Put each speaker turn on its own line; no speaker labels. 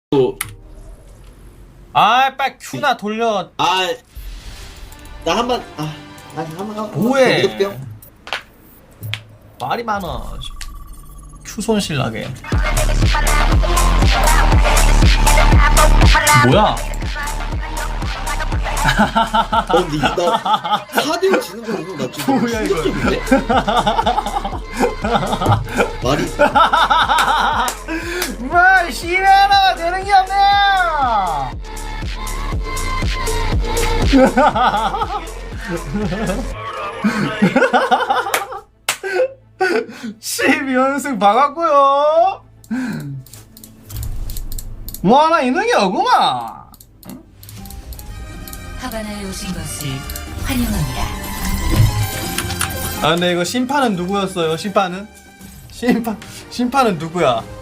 또,
아, 빨리 큐나 돌려.
나 한번, 한번.
뭐해?
무섭대요?
말이 많아. 큐 손실 나게. 뭐야?
근데 나 4대5 지는 거 보면 나 지금
뭐야, 이거.
충격적인데? 말이 있어.
뭐, 시메나 되는 게 없네! 12연승 박았고요. 뭐 하나 있는 게 없구만.
하바나에 오신 것을 환영합니다.
아 근데 이거 심판은 누구였어요? 심판은 누구야?